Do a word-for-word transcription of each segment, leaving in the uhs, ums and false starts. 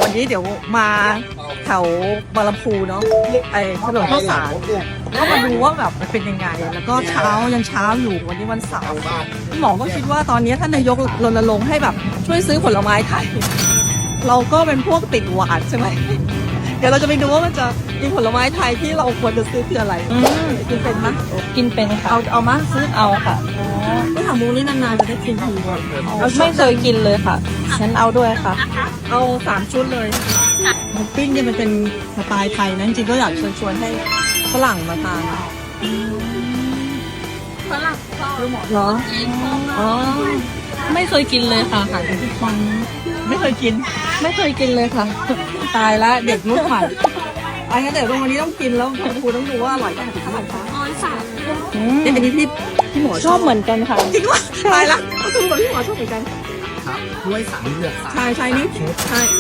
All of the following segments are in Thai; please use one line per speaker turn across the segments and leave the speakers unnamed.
วันนี้เดี๋ยวมาแถวบางลำพูเนาะไอ้ถนนข้าวสารก็มาดูว่าแบบมันเป็นยังไง แล้วก็เช้ายังเช้าอยู่วันนี้วันเสาร์หมอก็คิดว่าตอนนี้ท่านนายกรณรงค์ให้แบบช่วยซื้อผลไม้ไทยเราก็เป็นพวกติดหวานใช่ไหมเดี๋ยวเราจะไปดูว่ามันจะมีผลไม้ไทยที่เราควรจะซื้อคืออะไรกินเป็นไหม
กินเป็นค่ะ
เอาเอามาซื้อ
เอาค่ะ
ไม่ถามมูนี่นานๆจะได้กินที
ไม่เคยกินเลยค่ะฉันเอาด้วยค่ะ
เอาสามชุดเลยหมูปิ้งเนี่ยมันเป็นสไตล์ไทยนะจริงๆก็อยากเชิญชวนให้ฝรั่งมาทานฝรั่งเหรออ๋อ
ไม่เคยกินเลยค่ะค่ะ
ไม่เคยกิน
ไม่เคยกินเลยค่ะ
ตายแล้วเด็กรุ่นใหม่อันนี้นเดี๋ยววันนี้ต้องกินแล้วคุณครูต้องดูว่าอร่อยขนาดไหนคะอ๋อสามนี่อันนี้พี่พี่หมอ
ชอบเหมือนกันค่ะ
จริงวะตายละก็คือแบบพี่หมอชอบเหมือนกัน
ครับด้วยสามเหลือกสาม
ใช่ใช่นี่ใช่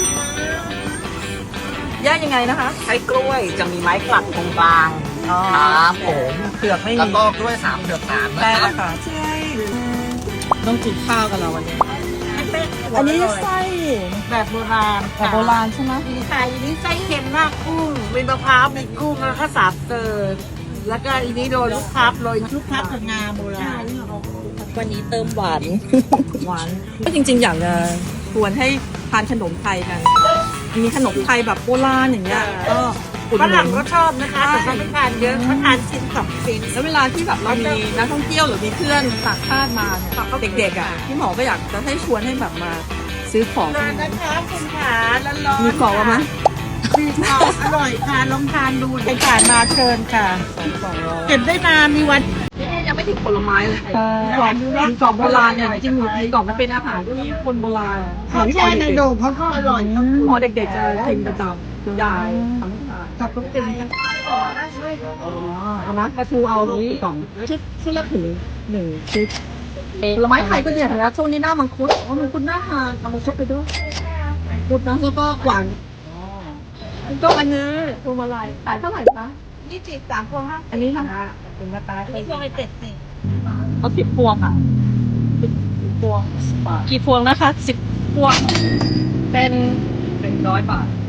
ย่างยังไงนะคะ
ใช้กล้วยจะมีไม้กลัดตรงกลาง
อ๋อ
ครับผม
เผือกไม่
แล้ว
มี
ก็กล้วยสามเหลือกสามนะ
ได้
ครั
แล้
บ
วค่ะใช่ต้องกินข้าวกันแล้ววันนี้ อันนี้ไส้
แบบโบราณ
แบบโบราณใช่ไหม
มีไข่อันนี้ไส้เค็มมากกุ้งมีมะพร้าวมีกุ้งแล้วก็สาบเติร์แล้วก็อันนี้โรยลูกพลับโรยลูกพลับกับงาโบราณ
วันนี้เติมหวาน
หวานก็จริงๆ อยากจะชวนให้ทานขนมไทยกัน มีขนมไทยแบบโบราณอย่างเงี้ยก็อุด
ฝ
หนุ
รั่ง
น
ก็ชอบนะคะแต่เขาไม่ทานเยอะเขาทานชิ้นสองชิ้น
แล้วเวลาที่แบบเรามีนักท่องเที่ยวหรือมีเพื่อนต่างชาติมาเนี่ยเด็กๆอ่ะพี่หมอก็อยากจะให้ชวนให้แบบมาซื้อของ
นานนะคะคุณขาร้อนๆ
มีกรอบไหม
มีกรอบอร่อยค่ะลองทานดูใครผ่านมาเชิญค่ะเก็บได้นานมีวัน
ยังไม่ถึงผลไม้เลยกรอบมีกรอบโบราณเนี่ยจริงๆมีกรอบมันเป็นอาหารที่คนโบราณ
เขาแช่ในโดมเขาก็อร่อยนะ
พอเด็กๆจะกินประจำยายทำ
กับลูกเต็มกัน
อ๋อเอานะปลาทูเอาสองชุดชุดละถึงหนึ่งชุดผลไม้ไทยก็เนี่ยนะช่วงนี้หน้ามังคุดอ๋อมังคุดหน้าทานเอามังคุดไปด้วยมังคุดนะแล้วก็กวางก็อันนี้พวงมาลัยขายเท่าไหร่คะ
นี่จีบสามพวงห้า
อันนี้ค่ะ
ถึงมาตายไม่พวงไปเจ็ดสิบ
เอาสิบพวงอ่ะสิบพวง
กี่พวงนะคะสิบพวง
เป็นหนึ่งร้อยบาท